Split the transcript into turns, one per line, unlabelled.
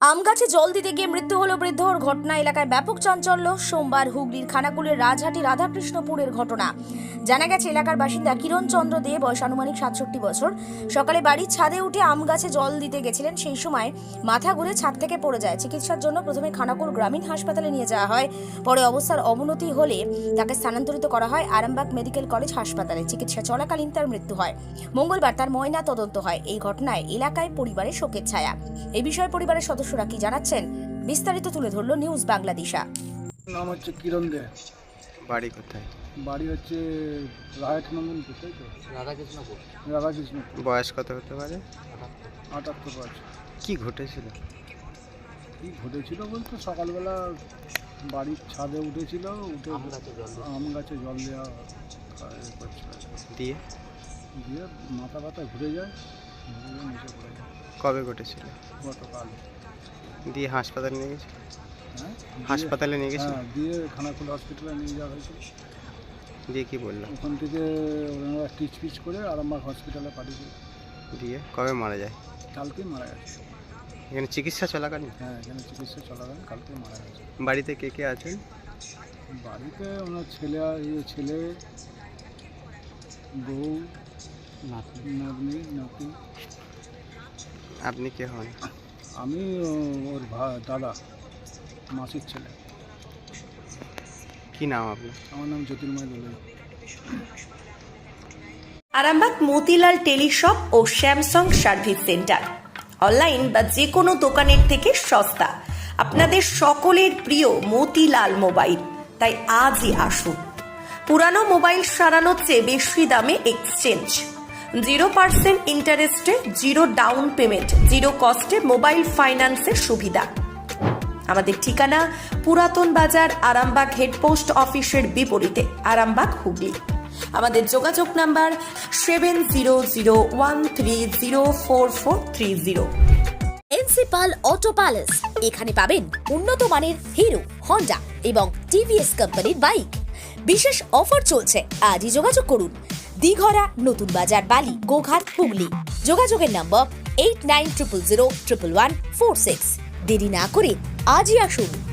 আম গাছে জল দিতে গিয়ে মৃত্যু হলো বৃদ্ধর। ঘটনা এলাকায় ব্যাপক চাঞ্চল্য। সোমবার হুগলির খানাকুলের রাজহাটি রাধাকৃষ্ণপুরের ঘটনা। জানা গেছে এলাকার বাসিন্দা কিরণ চন্দ্র দে, বয়স আনুমানিক ৬৭ বছর, সকালে বাড়ির ছাদে উঠে আম গাছে জল দিতে গেছিলেন। সেই সময় মাথা ঘুরে ছাদ থেকে পড়ে যায়। চিকিৎসার জন্য প্রথমে খানাকুল গ্রামীণ হাসপাতালে নিয়ে যাওয়া হয়। পরে অবস্থার অবনতি হলে তাকে স্থানান্তরিত করা হয় আরামবাগ মেডিকেল কলেজ হাসপাতালে। চিকিৎসা চলাকালীন তার মৃত্যু হয়। মঙ্গলবার তার ময়না তদন্ত হয়। এই ঘটনায় এলাকায় পরিবারের শোকের ছায়া। এই বিষয়ে পরিবারের সদস্যরা কি জানাচ্ছেন বিস্তারিত তুলে ধরলো নিউজ বাংলাদেশা।
নাম হচ্ছে কিরণ দে।
বাড়ি কোথায়?
বাড়ি হচ্ছে রায়ঠানন্দনপুর, তাই তো? রাধাকৃষ্ণপুর।
বয়স কত হতে পারে?
78 বছর।
কি ঘটেছিল?
কি ঘটেছিল বলতে সকালবেলা বাড়ির ছাদে উঠেছিল, উঠে আম গাছে জল দেওয়া করছিল।
দিয়ে
দিয়ে মাথা ব্যথা ঘুরে যায়, নিচে পড়ে যায়।
কবে ঘটেছিল?
গতকাল।
দিয়ে হাসপাতালে নিয়ে গেছে?
হ্যাঁ,
হাসপাতালে নিয়ে গেছে?
হ্যাঁ, দিয়ে খানাকুল হসপিটালে নিয়ে যাওয়া হয়েছিল।
দিয়ে কি বললো?
ওখান থেকে ওনারা টিচ পিচ করে আরামবাগ হসপিটালে পাঠিয়েছিল।
দিয়ে কবে মারা যায়?
কালকেই মারা গেছে।
এখানে চিকিৎসা চলাকালীন?
হ্যাঁ, এখানে চিকিৎসা চলাকালীন কালকেই মারা গেছে।
বাড়িতে কে কে আছেন?
বাড়িতে ওনার ছেলে, বউ, নাতনি, নাতি।
আপনি কে হন?
আমি ওর দাদা, মাসির ছেলে।
কি নাম আপনার?
আমার নাম জ্যোতির্ময় দোলে।
আরামবাগ মতিলাল টেলিশপ ও স্যামসাং সার্ভিস সেন্টার অনলাইন বা যে কোনো দোকানের থেকে সস্তা। আপনাদের সকলের প্রিয় মতিলাল মোবাইল, তাই আজই আসুন। পুরানো মোবাইল সারানোর চেয়ে বেশি দামে এক্সচেঞ্জ, 0% ইন্টারেস্টে, 0 ডাউন পেমেন্ট, 0 কস্টে মোবাইল ফাইন্যান্সের সুবিধা। আমাদের ঠিকানা পুরাতন বাজার, আরামবাগ হেডপোস্ট অফিসের বিপরীতে, আরামবাগ, হুগলি। আমাদের যোগাযোগ নাম্বার 7001304430।
Principal auto palace. এখানে পাবেন উন্নত মানের হিরো, হন্ডা এবং টিভিএস কোম্পানির বাইক। বিশেষ অফার চলছে, আজই যোগাযোগ করুন। দিঘরা, নতুন বাজার, বালি, গোঘাট, হুগলি। যোগাযোগের নম্বর 8900011146। দেরি না করে আজই আসুন।